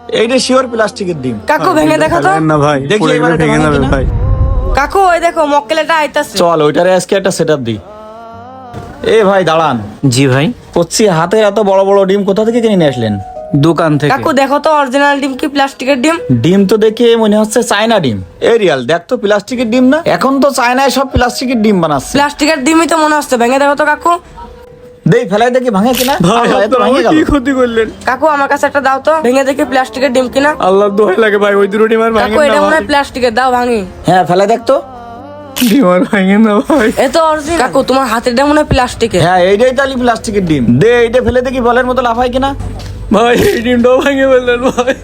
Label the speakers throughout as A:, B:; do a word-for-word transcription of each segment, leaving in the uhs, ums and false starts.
A: এইটা শিওর প্লাস্টিকের ডিম।
B: কাকু ভেঙে দেখো তো।
C: না ভাই,
A: দেখি
C: পুরো
A: এবার
C: ভেঙে
A: এটা
C: যাবে
A: ভাঙে
C: ভাই।
B: কাকু ওই দেখো মক্কেলটা আইতাছে।
A: চল ওইটারে আজকে একটা সেটআপ দিই। এ ভাই দাঁড়ান,
C: জি ভাই,
A: করছি হাতে এত বড় বড় ডিম কোথা থেকে কিনে নিয়ে আসলেন?
C: দোকান থেকে।
B: কাকু দেখো তো অরিজিনাল ডিম কি প্লাস্টিকের ডিম?
A: ডিম তো দেখে মনে হচ্ছে চায়না ডিম। এই রিয়াল দেখ তো প্লাস্টিকের ডিম না? এখন তো চায়নায় সব প্লাস্টিকের ডিম বানাচ্ছে।
B: প্লাস্টিকের ডিমই তো মনে হচ্ছে, ভেঙে দেখো তো কাকু।
A: দেই ফেলাই দেখি ভাঙে কিনা।
C: ভাই
A: আল্লাহ, এত
C: আপনারা
A: ভাঙে
C: আমার
A: গেল।
C: কি ক্ষতি করলেন?
B: কাকু আমার কাছে একটা দাও তো, ভেঙে দেখি প্লাস্টিকের ডিম কিনা।
C: আল্লাহর দোহাই লাগে ভাই, ওই দুটো ডিম আর
B: কাকু
C: ভাঙেন
B: এটা
C: না
B: মনে
C: ভাই।
B: হয় প্লাস্টিকের, দাও ভাঙি।
A: হ্যাঁ ফেলাই দেখ তো।
C: ডিম আর ভাঙেন না ভাই।
B: এ তো অরিজিনাল। কাকু তোমার হাতের ডিম মনে হয় প্লাস্টিকের।
A: হ্যাঁ এইটাই তাহলে প্লাস্টিকের ডিম। দে এইটা ফেলে দেখি বলের মতো লাফায় কিনা।
C: ভাই এই ডিমটাও ভাঙে ফেললেন ভাই।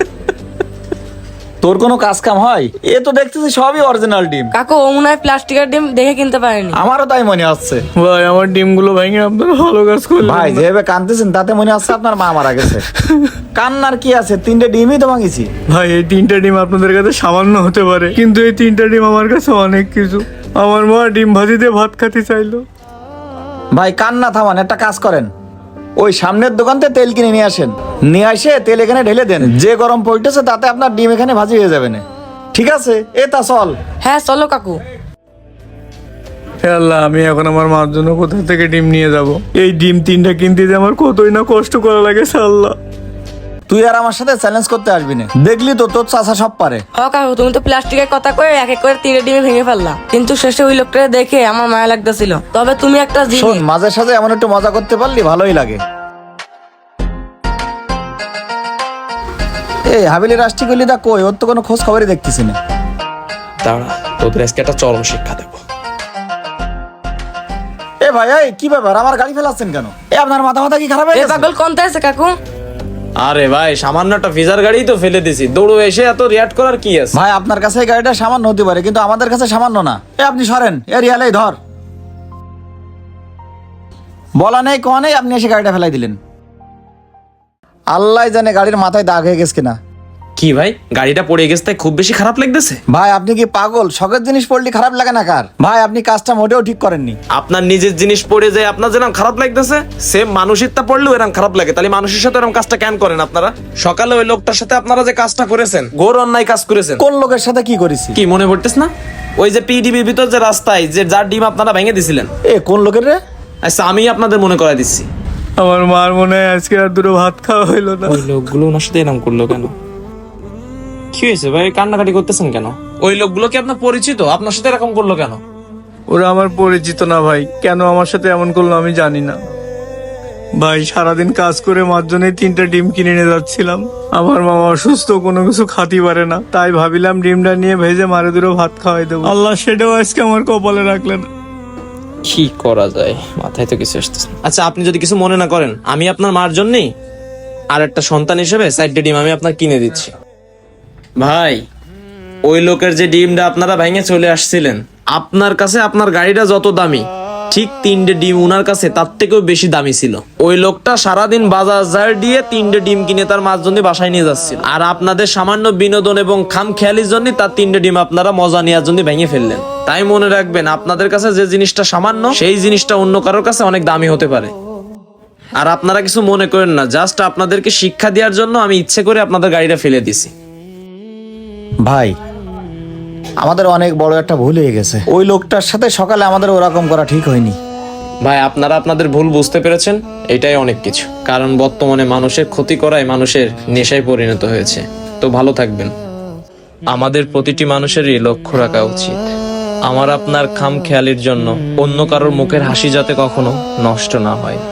A: তোর কোনো কাজ কাম হয়? এ তো দেখতেছি সবই অরিজিনাল ডিম।
B: কাকু ও মনে হয় প্লাস্টিকের ডিম দেখে কিনতে পারেনি।
A: আমারও তাই মনে হচ্ছে।
C: ভাই আমার ডিমগুলো ভাঙে আপনারা ভালো কাজ করলেন
A: ভাই
C: না।
A: যেভাবে কাঁদতেছেন তাতে মনে হচ্ছে আপনার মা মারা গেছে। কান্নার কি আছে, তিনটে ডিমই তো ভাঙিছি।
C: ভাই এই তিনটা ডিম আপনাদের কাছে সামান্য হতে পারে, কিন্তু এই তিনটা ডিম আমার কাছে অনেক কিছু। আমার মা ডিম ভাজি দিয়ে ভাত খেতে চাইলো।
A: ভাই কান্না থামান, একটা কাজ করেন, ওই সামনের দোকান থেকে তেল কিনে নিয়ে আসেন, নিয়ে আসে তেল এখানে ঢেলে দেন, যে গরম পড়তেছে তাতে আপনার ডিম এখানে ভাজি হয়ে যাবে না। ঠিক আছে এ তা চল।
B: হ্যাঁ চলো কাকু।
C: হে আল্লাহ, আমি এখন আমার মার জন্য কোথা থেকে ডিম নিয়ে যাব? এই ডিম তিনটা কিনতে যে আমার কতই না কষ্ট করা লাগে আল্লাহ।
A: তুই আর আমার সাথে চ্যালেঞ্জ করতে আসবি না, দেখলি তো তোর চাচা সব পারে।
B: হ কাকু তুমি তো প্লাস্টিকের কথা কয়ে এক এক করে তিনটে ডিমে ভেঙে ফেললা, কিন্তু শেষে ওই লোকটা দেখে আমার মায়া লাগতেছিল। তবে তুমি একটা
A: শোন,
B: জিনিস,
A: মাঝে সাঝে এমন একটু মজা করতে পারলি ভালোই লাগে। এই হাবিলি রাষ্ট্রী গলি দা কই? ওর তো কোনো খোঁজ খবরই দেখতেছি না।
D: দাঁড়া, তোদের আজকে একটা চরম শিক্ষা দেবো।
A: এ ভাই এই কি ব্যাপার, আমার গাড়ি ফেলাচ্ছেন কেন? এ আপনার মাথা মাথা কি খারাপ হয়ে
B: এ
A: গেছে?
B: পাগল কোনটা আছে কাকু?
D: আরে ভাই, সামান্য একটা ফিজার গাড়ি তো ফেলে দিছি, দৌড়ো এসে এত রিয়াক্ট করার কি আছে?
A: ভাই আপনার কাছে এই গাড়িটা সামান্য হতে পারে, কিন্তু আমাদের কাছে সামান্য না। এ আপনি সরেন, এ রিয়ালাই ধর। বলা নেই কোয়া নেই, আপনি এসে গাড়িটা ফেলাই দিলেন। আল্লাহ জানে গাড়ির মাথায় দাগ হয়ে গেছে কিনা।
D: কি ভাই, গাড়িটা পড়ে গেছে তাই খুব বেশি খারাপ লাগতেছে?
A: ভাই আপনি কি পাগল? শখের জিনিস পড়লে খারাপ লাগে না কার? ভাই আপনি কাজটা মোটেও ঠিক করেননি।
D: আপনার নিজের জিনিস পড়ে যায় আপনার যেরকম খারাপ লাগতেছে, সেম মানুষেরটা পড়লেও এরকম খারাপ লাগে। তাহলে মানুষের সাথে এরকম কাজটা কেন করেন আপনারা? সকালে ওই লোকটার সাথে আপনারা যে কাজটা করেছেন, ঘোর অন্যায় কাজ করেছেন।
A: কোন লোকের সাথে কি করেছি?
D: কি মনে পড়তেছ না? ওই যে পিডিবির ভিতর যে রাস্তায় যে যার ডিম আপনারা ভেঙে দিছিলেন।
A: এ কোন লোকের রে?
D: আচ্ছা আমি আপনাদের মনে করাই দিচ্ছি।
C: আমার মার মনে হয় আজকে আর দুটো ভাত খাওয়া হইলো না।
D: ওই লোকগুলো ওনার সাথে এরকম করলো কেন? কি হয়েছে ভাই, কান্নাকাটি করতেছেন কেন? ওই লোকগুলো কি আপনার পরিচিত? আপনার সাথে এরকম করলো কেন?
C: ওরা আমার পরিচিত না ভাই, কেন আমার সাথে এমন করলো আমি জানি না ভাই। সারাদিন কাজ করে মার জন্য তিনটা ডিম কিনে নিয়ে যাচ্ছিলাম। আমার মা অসুস্থ, কোনো কিছু খাতি পারে না, তাই ভাবিলাম ডিমটা নিয়ে ভেজে মারে দুটো ভাত খাওয়াই দেবো। আল্লাহ সেটাও আজকে আমার কপালে রাখলেন।
D: কি করা যায়, মাথায় তো কিছু আসতেছে না। আচ্ছা আপনি যদি কিছু মনে না করেন, আমি আপনার মার জন্যই আর একটা সন্তান হিসেবে চারটে ডিম আমি আপনার কিনে দিচ্ছি। ভাই ওই লোকের যে ডিমটা আপনারা ভেঙে চলে আসছিলেন, আপনার কাছে আপনার গাড়িটা যত দামি, ঠিক তিনটে ডিম উনার কাছে তার থেকেও বেশি দামি ছিল। ওই লোকটা সারাদিন বাজার ঝাড় দিয়ে তিনটে ডিম কিনে তার মার জন্য বাসায় নিয়ে যাচ্ছিল, আর আপনাদের সামান্য বিনোদন এবং খাম খেয়ালির জন্য তার তিনটে ডিম আপনারা মজা নেওয়ার জন্য ভেঙে ফেললেন। তাই মনে রাখবেন, আপনাদের কাছে যে জিনিসটা সামান্য, সেই জিনিসটা অন্য কারোর কাছে অনেক দামি হতে পারে। আর আপনারা কিছু মনে করেন না, জাস্ট আপনাদেরকে শিক্ষা দেওয়ার জন্য আমি ইচ্ছে করে আপনাদের গাড়িটা ফেলে দিছি।
A: ভাই আমাদের অনেক বড় একটা ভুল হয়ে গেছে। ওই লোকটার সাথে সকালে আমাদের ওরকম করা ঠিক হয়নি।
D: ভাই আপনারা আপনাদের ভুল বুঝতে পেরেছেন, এটাই অনেক কিছু। কারণ বর্তমানে মানুষের ক্ষতি করাই মানুষের নেশায় পরিণত হয়েছে। তো ভালো থাকবেন। আমাদের প্রতিটি মানুষেরই লক্ষ্য রাখা উচিত, আমার আপনার খাম খেয়ালির জন্য অন্য কারোর মুখের হাসি যাতে কখনো নষ্ট না হয়।